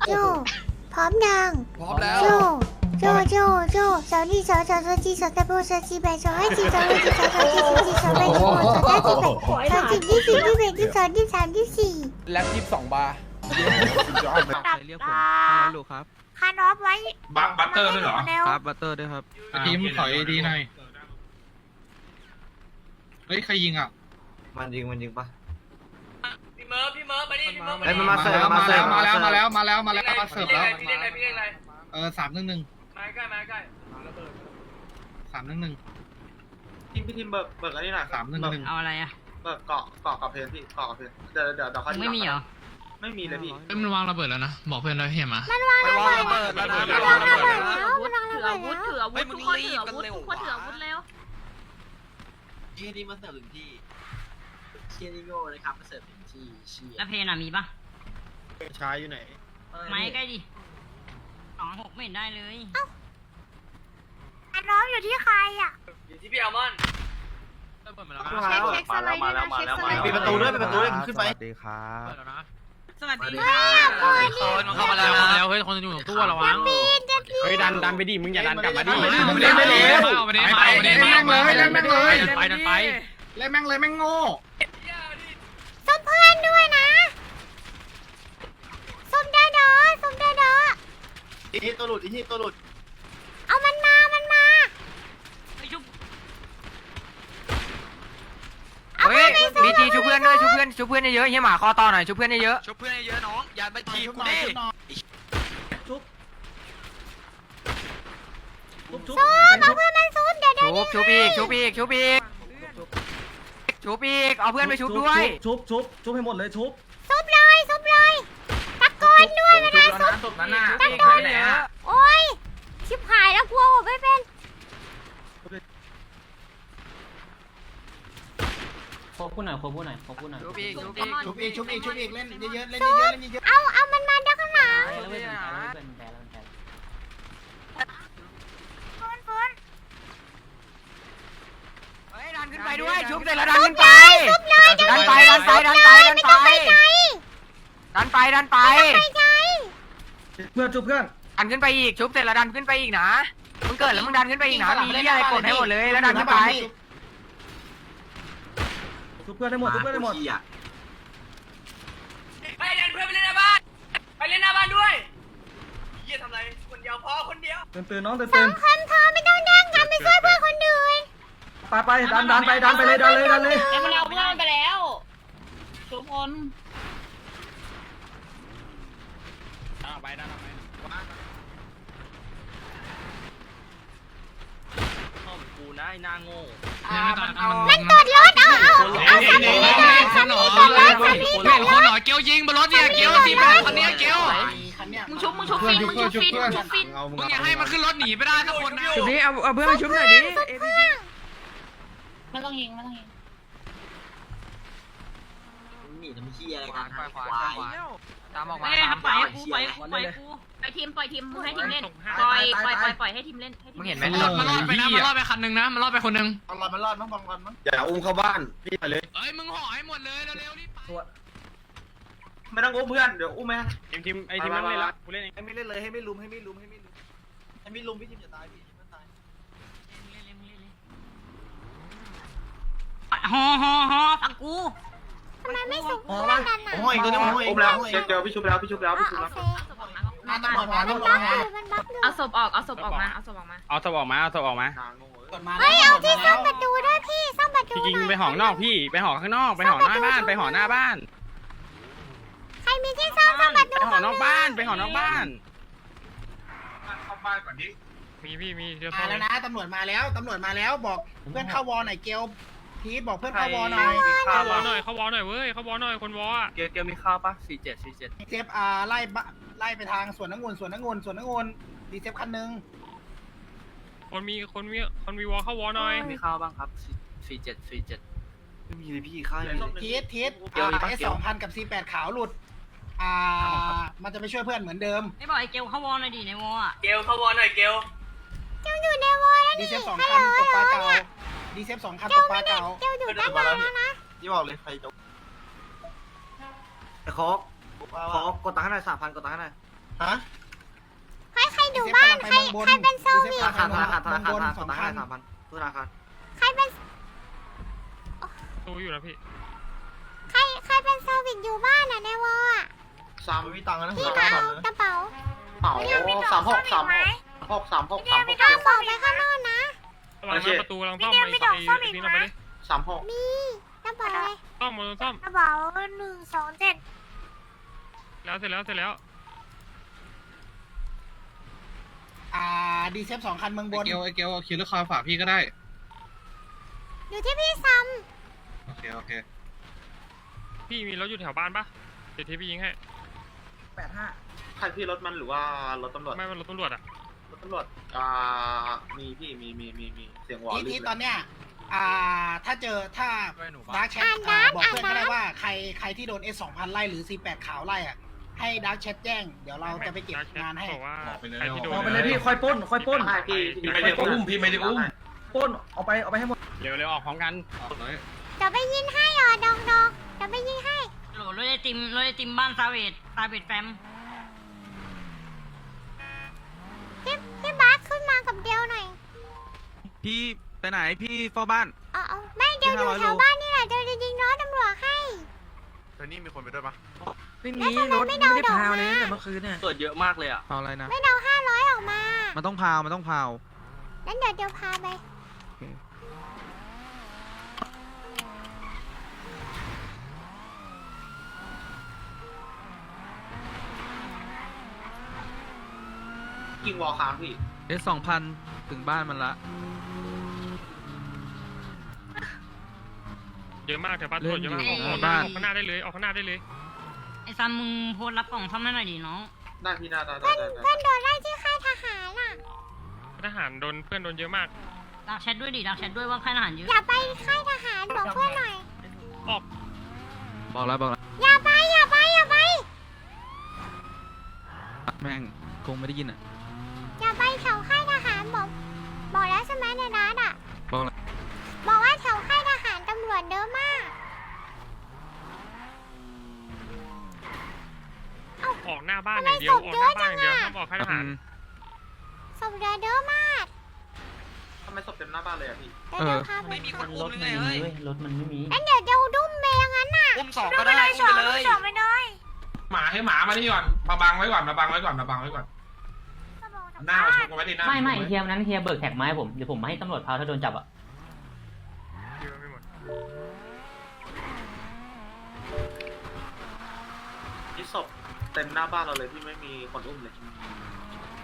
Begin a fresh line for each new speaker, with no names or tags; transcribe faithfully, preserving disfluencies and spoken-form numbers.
โจพร้อมยัง
พร้อมแล้ว
โจโจโจโจสาวนี่สาวสาวสาวจีสาวตะโบสาวจีแบสาวไอจีสาวไอจีสาวสาวจีสาวจีสาวแบสาวสาวจีแบสาวจีที่สี่ที่แปดที่สองที่สามที่สี่
แล็บยี่สิบสองบาร์
ใครเรียกผมฮัลโหลครับ
คานอฟไว้
บัตบัตเตอร์ด้วยเหรอ
ครับบัตเตอร์ด้วยครับ
ทีมถอยดีหน่อยเฮ้ยใครยิงอ่ะ
มันยิงมันยิงปะ
พี่เมิร์ฟพี่เมิร์ฟมาดิพี่เมิร์ฟ
เฮ้ยมันมาเสิร์ฟ
มา
มาเสิ
แล้
ร์
ว
ฟ
มาแล้วมาแล้วมาแล้วมาแล้วมาเสิร์ฟแล้ว
พี่เล่นอะไรพี่เล่นอะไร
เออสามหนึ่งหนึ่ง
มาใกล้มาใกล้
สามหนึ่งหนึ่ง
ทีมพี่ทีมเบิกเบิกอะไรหน่อย
สามหนึ่งหนึ่ง
เอาอะไรอ่ะ
เบิกเกาะเกาะกับเพลนพี่เกาะกับเพลนเดี๋ยวเดี๋ยวเดี๋ยวเขา
ไม่มีเหรอ
ไม่มีเลยพี่
เอ้ยมันวางระเบิดแล้วนะบอกเพื่อนแล้วเฮียมา
มันวางระเบิด
ระเบิดระเบิด
มันวางระเบิดแล้วมันวางระ
ถือ
เบิ
อา
ด
วุธ
แล้ว
ถืออาวุธทุกคนถืออาวุธทุกคนถืออาวุธเร็ว
เชี่ยนี่มาเสิร์ฟถึงที่เชี่ยนี่โง่เลยครับมาเสิร์ฟถึงที่เชี่ย
แล้วเพนอ่ะมีปะ
ชายอยู่ไหน
ไม้ใกล้ดิสองหกไม่เห็นได้เลย
คานอฟอยู่ที่ใครอ่ะ
อยู่ที่พี่อัลมอนด์
มาแล้วมาแล้วมาแล้วมาแล้วปิดประตูด้วยปิดประตูด้วยขึ้นไป
สวัสดีครับ
สวัสดี
ใครอ่ะคนนี้
คนมันเข้ามาแล้ว
แล้วเฮ้ยคนจะอยู่ตรงตู้ระวัง
ปีนจะปีน
เฮ้ยดันดันไปดิมึงอย่าดันกลับมาดิ
ไม่ได้ไม่ได้ไม่ได้ไม่ได้ไม่ได้แม่งเลยเล่นแม่งเลย
ไปดันไป
เล่นแม่งเลยแม่งโง่
ส้มเพื่อนด้วยนะส้มได้ดอส้มได้ดอ
อีที่ตัวหลุดอีที่ตัวหลุด
เอามันมามันมา
ไปชุบ
เอาเพื่อนไปสู้
บีจีชุบเพื่อนด้วยชุบเพื่อนชุบเพื่อนเยอะๆเฮียหมาคอต่อหน่อยชุบเพื่อนเยอะ
ช่วยเพื่อนเยอะน้องอย่าไปทีกูดิ
สู้เอาเพื่อนมันสู้เดี๋ยว
ๆ
เดี๋ยว
ชุบชุบอีกชุบอีกชุบอีกชุบอีกเอาเพื่อนไปชุบด้วย
ชุบชุบชุบให้หมดเลยชุบ
ซุบเลยซุบเลยตะโกนด้วยเวลาซุบ
ชุบนั่นน่ะ
ตะโกนโอ้ยชิบหายแล้วกลัวผมไม่เป็น
ขอพูดหน่อยขอพูดหน่อยขอพูดหน่อย
ชุบอีกชุบอีก
ชุบอีกชุบอีกชุบอีกเล่นเยอะๆเล่น
ซุ
เยอะ
บ
ๆเล่นเยอะ
เอาเอามันมาด้านข้างหลัง
ชุบอีกนะ
ฟูนฟูน
เฮ้ยดันขึ้นไปด้วยชุบเสร็จแล้วดันขึ้นไป
ซุบเลยซุบเลย
ดันไปดันไปดันไปดัน
ไม่
ไป
ต้องไปใจ
ดันไปดันไป
ไปใจ
เพื่อนชุบเพื่อน
ดันขึ้นไปอีกชุบเสร็จแล้วดันขึ้นไปอีกนะมึงเกิดแล้วมึงดันขึ้นไปอีกนะมีเหี้ยอะไรกดให้หมดเลยแล้วดันขึ้นไป
ชุบเพื่อนได้หมดชุบเพื่อนได้หมด
ไปเดินเพื่อนไปเล่นหน้าบ้านไปเล่นหน้าบ้านด้วยเฮียทำไรคนเดียวพอคนเดียว
ตื่นตื่นน้องตื่น
สอ
ตื่
ง
น
คนพอไม่ต้องแย่งกันไปช่วยเพื่อนคนอื่น
ไปไปดันดันไปดันไปเลยดันเลยดันเลย
แล้วมันเอาเพื่อนไปแล้วทุกคน
ไปดันไป
ห้องกูนะไอ้หน้าโง่
มันตดรถเอาเอาเอาสามีเลยสามีตดรถสามีตดรถ
หน่อยเกียวยิงบนรถเนี่ยเกียวสิเป็นคนนี้เกียว
มึงชุบมึงชุบฟินมึงชุบฟินมึงชุบฟิน
มึงอย่าให้มันขึ้นรถหนีไปได้ทุกคนนะ
ชุบนี้เอาเอาเพื่อนไปชุบหน่อยดิ
ไม่ต้องยิงไม่ต้องยิง
หนีทำขี้อะไรกัน
ขวาขวาขวาตามออกมา
ไม่ได้ครับปล่อยให้กูปล่อยให้กูปล่อยให้กูปล่อยทีมปล่อยทีมมึงให้ทีมเล่นปล่อยปล่อยปล่อยปล่อยให้ทีมเล่นให้ที
มึ
ม
งเห็นไหม
มันรอดมันรอดไปนะมันรอดไปคันหนึ่งนะมันรอดไปคนหนึ่ง
บอลมันรอดมั้งบอลมันมั้ง
อย่าอุ้มเข้าบ้านพี่ไปเลย
เอ้ยมึงห่อให้หมดเลยเร็วๆรีบไป
ไม่ต้องอุ้มเพื่อนเดี๋ยวอุ้มไหม
ทีมทีมไอทีมนั่งเล่นละกูเล่นเอง
ให้ไม่เล่นเลยให้ไม่ลุมให้ไม่ลุมให้ไม่ลุมให้ไม่ลุมพี่ทีมจะตายพี่ไม่ตาย
ฮอฮอฮอฟังกู
ทำไมไม่ซุบเพื่อนกันน่ะ
โอ้ยตัวนี้โอ้ยอุ้มแล้วเจอพี่ชุบแล้วพี่ชุบแล้ว
เอา
พี่ชุบ
โอ
แล้ว
เค
มาตำรวจมา
มัน
ตำรว
บั
จ
ฟ
มา
อยู่มันบัฟอยู่
เอาศพออกเอาศพออกมาเอาศพออกมา
เอาศพออกมาเอาศพออกมา
เฮ้ยเอาที่ซ่อมประตูด้วยพี่ซ่อมประตู
พี่
ห
ยิง
น่อย
ไปห่อนอกพี่ไปห่อข้างนอกไปห่อหน้าบ้านไปห่อหน้าบ้าน
ใครมีที่ซ่อมซ่อมประตู
ไปห่อนอกบ้านไปห่อนอกบ้าน
เข้าบ้านก่อนดิ
มีพี่มีเดี๋ยว
มาแล้วนะตำรวจมาแล้วตำรวจมาแล้วบอกเพื่อนเข้าวอหน่อยเกลพีทบอกเพื่อนเข้าวอหน่อย
เข้าวอหน่อยเข้าวอหน่อยเว้ยเข้าวอหน่อยคนวออ่ะ
เกลเกลมีข้าวปะสี่เจ็ดสี่เจ็ด
เซฟอ่าไล่บะไล่ไปทางสวนน้ำงุนสวนน้ำงุนสวนน้ำงุนดีเซฟคันหนึง
คนมีคนมีคนมีวอเข้าวอหน่อย
มีข้าวบ้างครับสี่เจ็ดสี่เจ็ดไม่มีเลยพี่ข้าว
ทีสทีส
เกลมีปะ
เอส
เกล
สองพันกับซีแปดขาวหลุดอ่ามันจะไปช่วยเพื่อนเหมือนเดิม
ไม่บอกไอ้เกลเข้าวอลหน่อยดิในวอลอ่ะ
เกลเข้าวอหน่อยเกล
เจ้าอยู่ในวอลแล้ว
ดี
นี่
เซฟสอง
ฮัล
คัน
โหล
ตกปลา
ฮัล
เก่า
โหลเนี่ย
ดีเซฟสองคันต
เจ้าก
ป
ไม่
ลา
ได้
เก่า
เจ้าอยู่ตั้งนานแล้วนะ
ยี่บอกเลยใครจบไอ้โคกโคกกดตังค์ให้หน่อยสามพันกดตังค์ให้หน่อย
ฮะ
ใครใครอยู่บ้านใครใครเป็นเซอร์วิส
ธนาคารธนาคารธนาคาร
สองพันสามพันธนาคาร
ใครเป็น
ตู้อยู่นะพี่
ใครใครเป็นเซอร์วิสอยู่บ้านอ่ะในวออ่ะ
สามวิตังค์นะ
พี่มาเอากระเป๋า
เป๋าสามหกสามหกสามหกสามหก
เอาบอกไปข้างนอกนะ
ระวังนะประตูระวังซ่อมไปไอ้นี่เราไปดิ
สามหก
มีกระเป๋าอะไร
ซ่อมมาซ่อม
กระเป๋าหนึ่งสองเจ็ด
แล้วเสร็จแล้วเสร็จแล้ว
อ่าดีเซฟสองคันเมืองบน
เกลไอเกลคิวเลอร์คาร์ฝากพี่ก็ได้
อยู่ที่พี่ซัม
โอเคโอเค
พี่มีรถอยู่แถวบ้านปะเดี๋ยวที่พี่ยิงให้
แปดห้า
ใครพี่รถมันหรือว่ารถตำรวจ
ไม่เป็นรถตำรวจอ่ะ
รถตำรวจอ่ามีพี่มีมีมีมีเสียงหวอ
ที
ลื่
ที
น
ตอนเนี้ยอ่าถ้าเจอถ้าดาร์กแชทบอกเพื่อนก็ได้ว่าใครใครที่โดน เอส สองพันไล่หรือ สี่แปดขาวไล่อ่ะให้ดาร์กแชทแจ้งเดี๋ยวเราจะไปเก็บงานให้
บอกว่า
บอกไปเลย
ใครที่โดน
บอกไปเลยพี่ค่อยปล้นค่อยปล้น
ใช่พี่
พี่ไม่ได้อุ้มพี่ไม่ได้อุ้มปล้นเอาไปเอาไปให้หมด
เร็วเร็วออกพร้อมกัน
เลย
เดี๋ยวไปยินให้อ่ะดองดองเดี๋ยวไปยินให้
โหลรถไอติมรถไอติมบ้านซาเวตซาเวตแฟม
พี่พี่บาสขึ้นมากับเดียวหน่อย
พี่ไปไหนพี่เฝ้าบ้าน
อ๋ออ๋อไม่เดียวอยู่แถวบ้านนี่แหละเดียวจะยิงน้องตำรวจให้
เดี๋ยวนี้มีคนไปด้วยปะ
ไม่มีรถไม่ได้พาวเลยแต่เมื่อคืน
เกิดเยอะมากเลยอ่ะ
พาวอะไรนะ
ไม่เดาห้าร้อยออกมา
มันต้องพาวมันต้องพาว
งั้นเดี๋ยวเดี๋ยวพาไป
ยิงวอลค้างพี่
เอสสองพันถึงบ้านมันละ
เยอะมากแถวบ้านตำรวจเยอะมาก
เล่
อน
อยู่
อก
บ้าน
ข้างหน้าได้เลยออกข้างหน้าได้เลย
ไอซัมมึงโพสรับกล่องซ่อมให้หน่อยดิน้อง
ได้พี่ได้ได้ได้
เพื่อน
ได้
เพื่อนโดนไล่ที่ค่ายทหารอ่ะ
ทหารโดนเพื่อนโดนเยอะมาก
ดักแชทด้วยดิดักแชทด้วยว่าค่ายทหารเยอะ
อย่าไปค่ายทหารบอกเพื่อนหน่อย
ออก
บอกแล้วบอกแล้ว
อย่าไปอย่าไปอย่าไป
แม่งคงไม่ได้ยินอ่ะ
อย่าไปแถวค่ายทหารบอกบอกแล้วใช่ไหมในร้านอ่ะ
บอกแล้ว
บอกว่าแถวค่ายทหารตำรวจเยอะมาก
ออกหน้าบ้านอย่างเดียวออกหน้าบ้านอย่างเดียวห้ามออกค่ายทหาร
ศพเยอะเยอะมาก
ทำไมศพเต็มหน้าบ้านเลยอะพี่
เดี๋ยวเดี๋ยวพาไป
ไม่มีคนอุ้มเลยเฮ้ย
งั้นเดี๋ยวเดี๋ยวดุ้มเมย์งั้นน่ะ
อุ้มสองก็ได้อุ้มไปเลย
สองไปเลย
หมาให้หมามานี่ก่อนมาบังไว้ก่อนมาบังไว้ก่อนมาบังไว้ก่อนหน้ามาชนกันไว้ดิหน้า
ไม่ไม่เฮียนั้นเฮียเบิกแท็กมาให้ผมเดี๋ยวผมมาให้ตำรวจพาถ้าโดนจับอ่ะ
เยอะไม่หมด
ที่ศพเต็มหน้าบ้านเราเลยที่ไม่มีคนอุ้มเลย